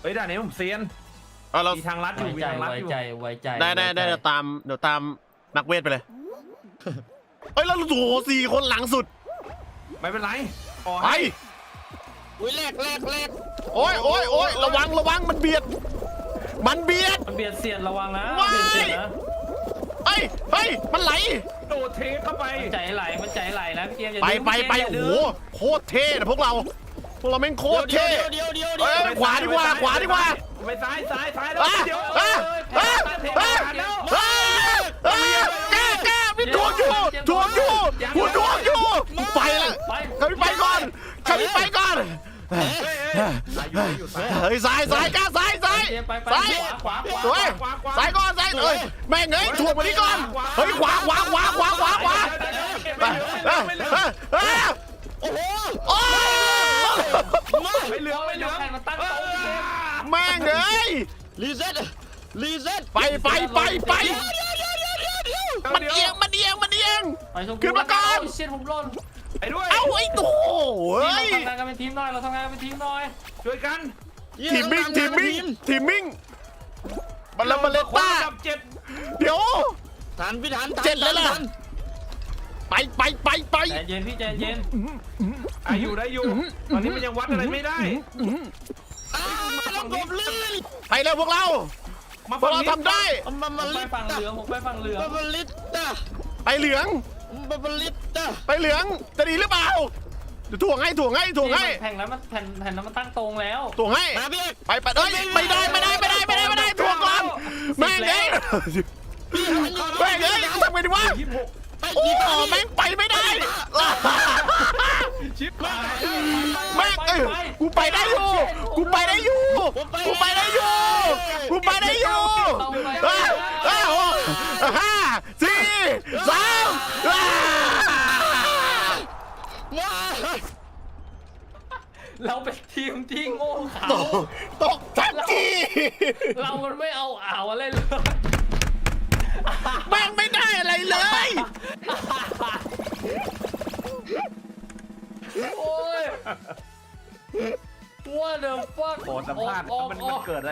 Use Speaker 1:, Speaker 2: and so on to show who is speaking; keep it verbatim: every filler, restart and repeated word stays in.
Speaker 1: เฮ้ยด่านนี้ผมเซียน
Speaker 2: เอาเรา
Speaker 1: มีทางลัดอยู่มี
Speaker 3: ไว้ใจ
Speaker 1: ทางลัด
Speaker 3: ไว้
Speaker 1: อยู่
Speaker 3: ใจไว้ใจ
Speaker 2: ได้ได้ได้เดี๋ยวตามเดี๋ยวตามนักเวทไปเลยเฮ้ยแล้วโอ้โหสี่คนหลังสุด
Speaker 1: ไม่เป็นไรขอ
Speaker 2: ไป
Speaker 1: ให้
Speaker 4: อุ้ยแรกแรกแรก
Speaker 2: โอ้ยโอ้ยโอ้ยระวังระวังมันเบียดมันเบียด
Speaker 3: มันเบียดเสียดระวังนะ
Speaker 2: ว้าย
Speaker 3: เบียดเสียดนะ
Speaker 2: เฮ้ยเฮ้ยมันไหล
Speaker 1: โดดเทเข้าไป
Speaker 3: มันใจไหลมันใจไหลนะพี่เกมอย่า
Speaker 2: ไป
Speaker 3: ดื้อ
Speaker 2: ไป
Speaker 3: พี่
Speaker 2: ไป
Speaker 3: เกม
Speaker 2: โอ้
Speaker 3: ย่า
Speaker 2: โห
Speaker 3: ดื้
Speaker 2: โคตรเท่นะพวกเราพวกเราแม่งโคตร
Speaker 4: เดียว
Speaker 2: เท่
Speaker 4: เดียวเดียวเดียว
Speaker 2: เอ้ยขวาดีกว่าขวาดีกว่า
Speaker 1: ไปซ้ายซ้ายซ้ายแล้ว
Speaker 2: อ่ะ
Speaker 1: เดี๋ยว
Speaker 2: อ่ะ
Speaker 1: เอ้ย
Speaker 2: อ่ะ
Speaker 1: เท
Speaker 2: อ่ะ
Speaker 1: ผ่านแล้ว
Speaker 2: เฮ้ยเฮ้ยแกแกพี่ทวงอยู่ทวงอยู่กูทวงอยู่กูไปละ
Speaker 3: ไป
Speaker 2: ใครไปก่อนใครไปก่อน
Speaker 1: เฮ้ยเฮ้ยซ้ายอยู่ซ้ายอยู่ซ้าย
Speaker 2: เฮ้ยซ้ายซ้ายกล้าซ้ายซ้าย
Speaker 3: เกมไปไป
Speaker 2: ซ้าย
Speaker 3: ขวาขวาขวา
Speaker 2: สวยซ้ายก่อนซ้ายเอ้ยแม่งเอ้ยถ่วงมานี่ก่อนเฮ้ยขวาขวาขวาขวาขวาขวา
Speaker 1: ไม่เหลือไม่เหลือ
Speaker 2: เฮ้ย
Speaker 4: โอ้โห
Speaker 2: โอ้ย
Speaker 1: ไม่เหลือไม่เหลือ
Speaker 3: ใครมาตั้งโต๊ะพี่เกม
Speaker 2: แม่งเอ้ย
Speaker 4: รีเซ็ตรีเซ็ต
Speaker 2: ไปไปไปไป
Speaker 4: เดี๋ยวเดี๋ยวเดี๋ยวเดี๋ยวเดี๋ยว
Speaker 2: มันเอียงมันเอียงมันเอียง
Speaker 3: ไปชม
Speaker 2: ขึ้นมาก่อน
Speaker 3: เชียนผมหล่น
Speaker 1: ไปด้วย
Speaker 2: เอ้าไอ้ตัวเฮ้ย
Speaker 3: เราทำงานกันเป็นทีมหน่อยเราทำงานกันเป็นทีมหน่อย
Speaker 1: ช่วยกัน
Speaker 2: ทีมมิ่งทีมมิ่งทีมมิ่งบัลลังก์บัลเลตต้า
Speaker 1: จับเจ็ด
Speaker 2: เดี๋ยว
Speaker 4: ทันพี่ทัน
Speaker 2: เจ็ดแล้วล่ะ ไปไปไปไป
Speaker 3: ใจเย็นพี่ใจเย็น
Speaker 1: อาอยู่ได้อยู่ตอนนี้มันยังวัดอะไรไม่ได้
Speaker 4: อ้าวระบบลื่น
Speaker 2: ไปเร็วพวกเรา
Speaker 1: มา
Speaker 2: พวกเราทำได้
Speaker 4: มัน
Speaker 3: ผ
Speaker 4: มาม
Speaker 3: ไป
Speaker 4: ลิต
Speaker 3: ฝั่งเหลืองผมไปฝั่งเหลือง
Speaker 4: มันมาลิตจ้ะ
Speaker 2: ไปเหลือง
Speaker 4: มันมาลิตจ้ะ
Speaker 2: ไปเหลืองจะดีหรือเปล่าเดี๋ยวถ่วงให้ถ่วงให้ถ่วงให้
Speaker 3: แผ่นนั้นมันแผ่นแผ่นนั้นมันตั้งตรงแล้ว
Speaker 2: ถ่วงให้
Speaker 4: มาพี่เอก
Speaker 2: ไปไปเอ้ยไม่ได้ไม่ได้ไม่ได้ไม่ได้ไม่ได้ถ่วงก่อนแม่งเอ้ยแม่งเอ้ยทำไงดีวะ
Speaker 1: ยี่สิบหก
Speaker 4: ไป
Speaker 2: โอ้
Speaker 4: ดี
Speaker 2: แม่งไปไม่ได้
Speaker 1: ชิปหาย
Speaker 2: แม่งเอ้ยกูไปได้อยู่กูไปได้อยู่กูไปได้อยู่กูไปได้อยู่เอ้ยเอ้ยโอ้ห้าสี่สามว้า
Speaker 4: ว้า
Speaker 3: เราเป็นทีมที่โง่เขลา
Speaker 2: ตกตกทันที
Speaker 3: เรามันไม่เอาอ่าวอะไรเลย
Speaker 2: แม่งไม่ได้อะไรเลย
Speaker 3: โอ้ย What the fuck
Speaker 1: โอ้สัมภาษณ์มันมันเกิดอะไร